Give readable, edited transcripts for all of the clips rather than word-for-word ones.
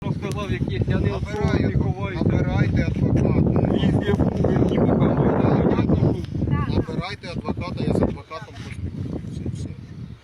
що сказав, яких я не Набирайте ховаюся. адвоката. Везде був, ні покажу. Набирайте адвоката, я з адвокатом поспілкуюся і все.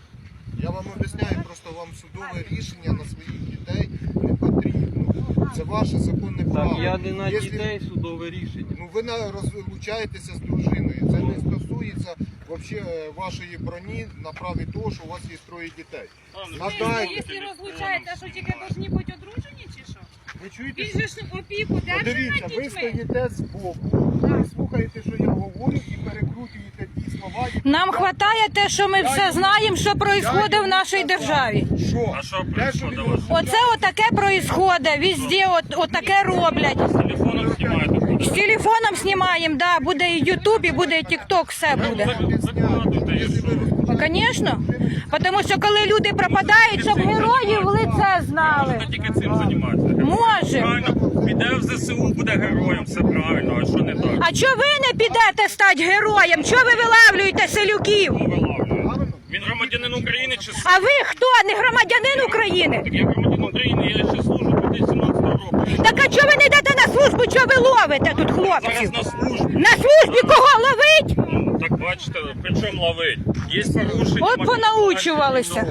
Я вам об'ясняю, просто вам судове рішення на своїх дітей не потрібно. Це ваше законне право. Так, я не на Якщо- дітей судове рішення. Ну ви розлучаєтеся з дружиною. Це не стосується вообще вашої броні на праві того, що у вас є троє дітей. Надайте. Якщо розлучаєте, що тільки повинні бути одружені чи що? Ви чуєте? Він же ж опіку держить Дивіться, над ви дітьми. стоїте збоку, ви слухаєте, що я говорю, і перекрутуєте ті слова. які Нам я- вистачає те, що ми все знаємо, що відбувається в нашій державі. Що? А що Те, що происходит він у вас? Оце отаке відбувається, везде отаке роблять. З телефоном знімаєте? З телефоном знімаємо, да, буде і Ютуб, і буде і Тікток, все буде. Закладуйте, і що? Звісно, тому що коли люди пропадають, щоб героїв в лице знали. Можна тільки цим займатися. Може. Правильно, піде в ЗСУ, буде героєм, все правильно, а що не так? А чого ви не підете стати героєм? Чого ви вилавлюєте селюків? Вилавлює. Він громадянин України чи А ви хто? Не громадянин України? Так я громадянин України, я ще служу 2017 року. Так а чого ви не йдете на службу? Чого ви ловите тут Зараз хлопців? на службі. На службі кого ловить? Ну, так бачите, при чому ловить? Є порушення. От понаучувалися.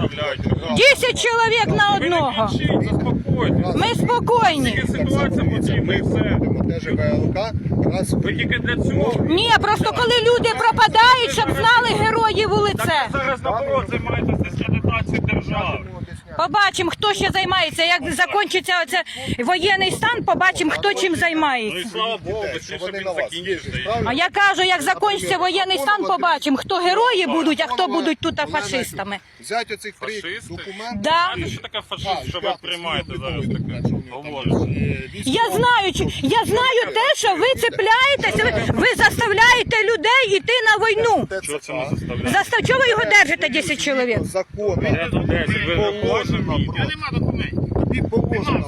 10 чоловік на одного. Ви не кричіть, заспокойтесь. Ми спокійні. Тільки ситуація потрібна, і все. будемо теж ВЛК, раз Ви тільки для цього. Ні, просто коли люди пропадають, щоб знали героїв у лице. Так ви зараз наоборот займаєтесь дискредитацією держави. Побачимо, хто ще займається. Як закінчиться оце воєнний стан, побачимо, хто чим Ну і займається. слава Богу, що швидше вони він на вас закінчиться. їздять, правильно? А я кажу, як закінчиться воєнний стан, побачимо, хто герої будуть, а хто будуть тут фашистами. Взять оцих три Фашисти? документи. Да. Знаєте, що таке фашист, що ви приймаєте зараз таке? Говорите. Я знаю те, що ви цепляєтеся, ви заставляєте людей йти на війну. Чого це не заставляє? Чого ви його держите, 10 чоловік? Законно. Я тут 10, ви не Положено. Тобі положено.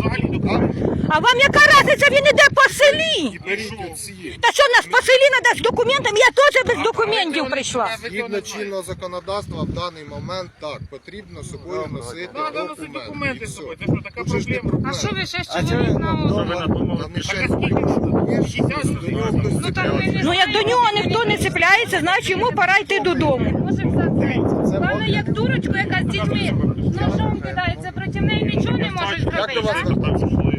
А вам яка разниця, він іде по селі? Беріть оці. Та що в нас по селі треба з документами? Я теж без документів прийшла. Згідно чинного законодавства в даний момент так, потрібно з собою носити документи. І все. Тут же ж не проблема. А що ви ще чоловік на Що ви надумали? Там ще є, до нього хтось Ну там ви цепляється. не Ну як до нього ніхто не цепляється, значить йому пора йти додому. можемо взяти. Главное, як дурочку, яка з дітьми ножом кидається, проти неї нічого не можеш Як до зробити. вас так? Так пішли.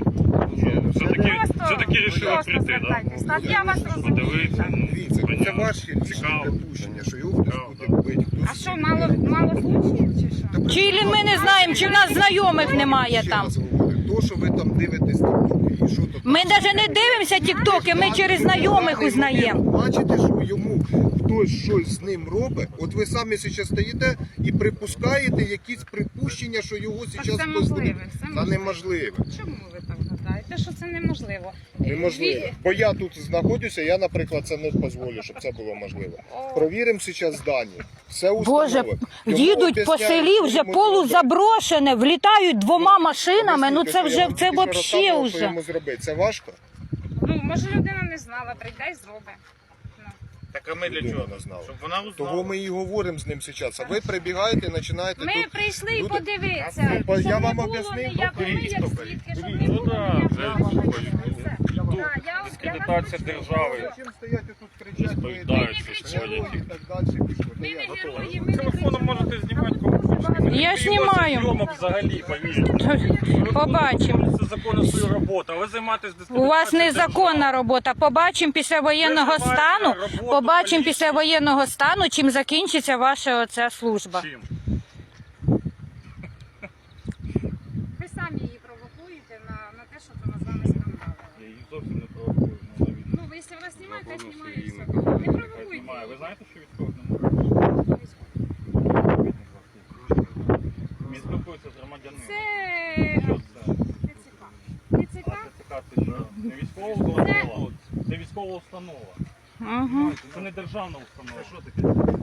Все-таки рішили Просто прийти, так? звертайтесь. Так, я вас розумію. Подивитися, ну, Дивіться, це понятно. ваші лічні Цікаво. припущення, що його хтось буде бити. А що, мало случаїв чи що? Чи ми не знаємо, чи в нас знайомих немає Ще там. раз говорю, то, що ви там дивитесь тіктоки і що то. Ми навіть не дивимося тіктоки, ми через знайомих узнаємо. Бачите, що йому хтось щось з ним робить, от ви самі зараз стоїте і припускаєте якісь припущення, що його Це зараз можливе, все Та можливе. неможливо. Чому ви так гадаєте, що це неможливо? Неможливо. Бо я тут знаходжуся, я, наприклад, це не дозволю, щоб це було можливо. Провіримо зараз дані. Все Боже, установимо. Йому їдуть по об'ясняють, селі вже що йому полузаброшене, влітають двома машинами, ну це Об'ясніть, вже, я вам це тільки що вообще розказував, що вже. йому зробити. Це важко? Ну, може людина не знала, прийде і зробить. Ну. Так а ми для Людина чого? не знала. Щоб вона Того узнала. ми і говоримо з ним зараз. А ви прибігаєте і починаєте Ми тут... прийшли люди- подивитися, Я щоб вам не було об'яснив, ніякого, ми як стопоріть. свідки, щоб не Ну було да, ніякого. вже Все. Да, я вас Дискредитація держави. Чим стояти тут кричати? Розповідаються, ви сьогодні. і так далі. Ми не герої, ми не Телефоном можете знімати кого хочете. Я знімаю. Зйомок взагалі, повірте. Побачимо. Це законно свою роботу, а ви займаєтесь У дискредитацією вас незаконна держави. робота. Побачимо після воєнного Ви займаєте стану. роботу Побачимо поліції. після воєнного стану, чим закінчиться ваша оця служба. Чим? Ви самі її провокуєте на те, що вона з вами скандалила. Я їх зовсім не провокую. Ну, ви, якщо вас знімають, то знімають все. Не провокуйте. Ви знаєте, що військових не можна? Він спілкується з громадянином. Це Що це? ТЦК. ТЦК? ТЦК це що? Не військова установа? Це військова установа. Угу. Це не державна установа. Що таке?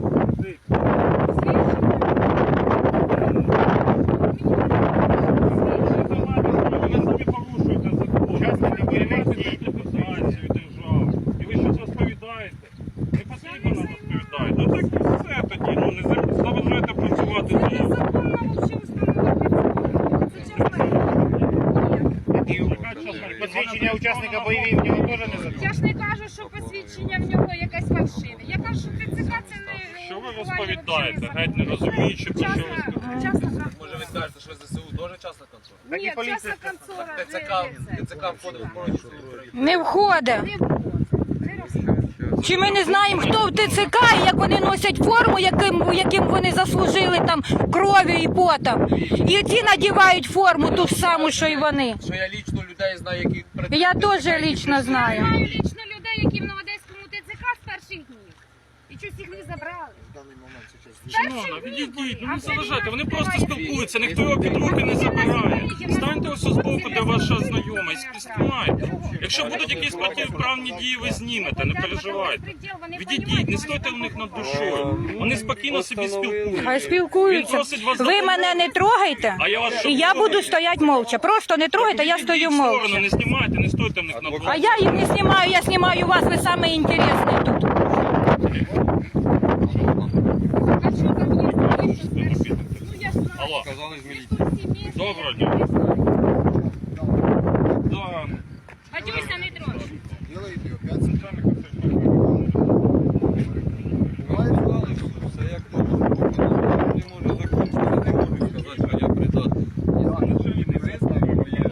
Ви самі порушуєте закон. Дискредитацію держави. І ви щось розповідаєте. Не потрібно нам розповідати. Ну так і все тоді. Ну не заважайте працювати. Це незаконна взагалі установа. Це чесно. Посвідчення учасника бойових в нього теж не забрали. Я ж не кажу, що посвідчення в нього якесь фальшиве. Я кажу, що ТЦК це не... Що ви розповідаєте? Геть не розуміючи, про що ви Частна контора. Може ви скажете, що ЗСУ теж частна контора? Так і Ні, поліція частна контора. ТЦК входить в охорону України. Не входить. Не входить. Не розказуй. Чи ми не знаємо, хто в ТЦК і як вони носять форму, яким вони заслужили там кров'ю і потом. І ті надівають форму ту ж саму, що й вони. Що я лічно людей знаю, які... Я теж лічно Я знаю. знаю лічно людей, які в Новодеському ТЦК з перших днів. І щось їх не забрали. В даний момент зараз Шановна, відійдіть, ну не заважайте, вони просто спілкуються, ніхто його під руки не забирає. Станьте ось збоку, де ваша знайома, і знімайте. Якщо будуть якісь протиправні дії, ви знімете, не переживайте. Відійдіть, не стойте в них над душою. Вони спокійно собі спілкуються. Хай Він спілкуються. просить вас Ви допомогти. мене не трогайте, А я вас і я буду стояти мовча. Просто не трогайте, я стою Відійдіть в сторону, мовча. не знімайте, не стойте в них над А душою. я їх не знімаю, я знімаю вас, ви саме інтересний тут. А що там є? Ну я ж знаю. Алло. Сказали з міліції. Доброго дня. Да. Гадюся, не трогай. Делаєте опять центральний Сказали, що все як не може закінчити, не можу сказати, що я придатний. Не визнаю, є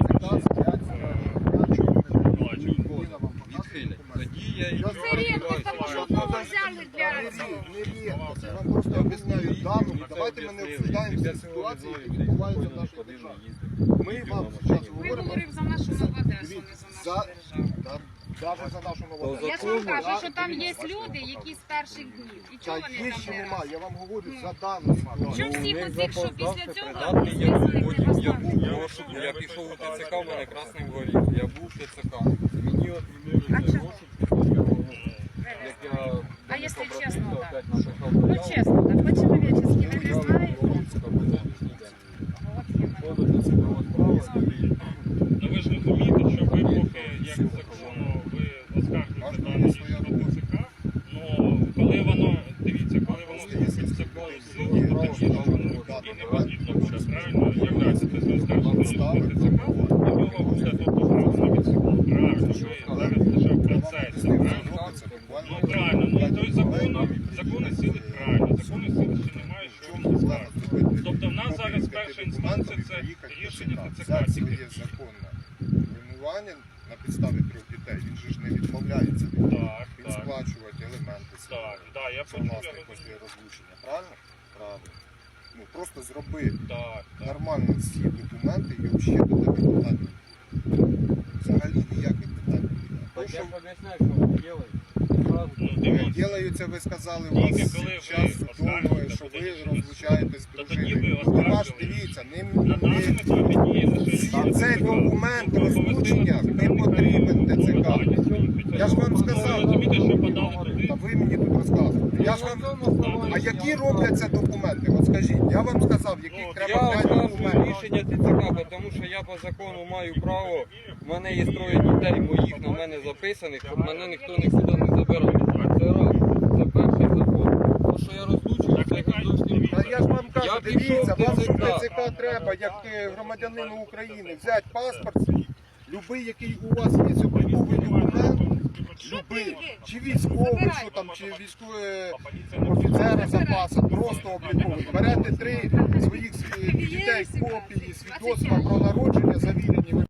відхилять. Тоді я і Це рідко, тому що одного взяли для... Не рідко, я вам просто об'ясняю дану. Давайте ми не обсуждаємо всі ситуації, які відбуваються в нашій державі. Ми вам зараз Ми говоримо говоримо за нашу Нову Одесу, не за нашу за, державу. навіть за нашу нову Я ж вам кажу, що там є люди, які з перших днів. І Та чого вони є там чи не нема, раз? я вам говорю за дану ситуацію. Що всі оцих, що після цього придатний, я був, списаних потім я був не в розшуку, я пішов у ТЦК, в мене красним горів, я був в ТЦК. Мені отмінили А цей чого? розшук після цього, як я А якщо чесно, так? опять написав Ну заяву, чесно, так, по-чоловічески, ви я не знаєте? в Луцька по сьогоднішній день. От іменно. Ходу ТЦК справа, Ну ви ж розумієте, що ви поки як законно ви оскаржуєте дане рішення ТЦК, ну коли воно, дивіться, коли воно вступить в законну силу, то тоді ж воно і не потрібно буде, правильно, являється те, що оскаржуєте рішення ТЦК, і нього буде тобто зразу відсутні. Правильно, ви зараз лише в процесі, правильно? Ну правильно, ну то й закони сили правильно, закони сили ще немає, що вам оскаржувати. Тобто в нас зараз перша інстанція це рішення ТЦК. Це є законне вимивання на підставі 3 дітей. Він же ж не відмовляється Так, він так, сплачувати елементи так, да, я це почув, я власне розумію. після розлучення. Правильно? Правильно. Ну просто зроби Так, так. нормально всі документи і взагалі до тебе питань. Взагалі ніяких питань. Так То, я що ж об'ясняю, що ви робите. Зразу Ну, дивіться. ділаються, ви сказали, у Тільки вас коли ви час судовий, оскаржуєте, що ви подивіться, розлучаєтесь з то тоді дружиною. ви Ну, ви ваш, оскаржили. дивіться, На даному етапі діє лише рішення цей ТЦК. документ Тобто розлучення оголосили не потрібен ТЦК. клопотання з цього Я ж вам Ви сказав, розумієте, що подали туди? та ви мені тут розказуєте. Я ж вам... А які робляться документи? От скажіть, я вам сказав, яких Я треба 5 оскаржую документів. рішення ТЦК, тому що я по закону маю право, в мене є 3 дітей моїх на мене записаних, щоб мене ніхто нікуди не забирав. Це раз, це перший закон. То, що я розлучую, це зовсім Та я ж вам кажу, Я дивіться, пішов вам в що ТЦК. ТЦК треба, як громадянину України, взяти паспорт свій, любий, який у вас є обліковий документ, любий, чи військовий, що там, чи військовий офіцера запасу, просто обліковий. Берете 3 своїх дітей копії свідоцтва про народження, завірені.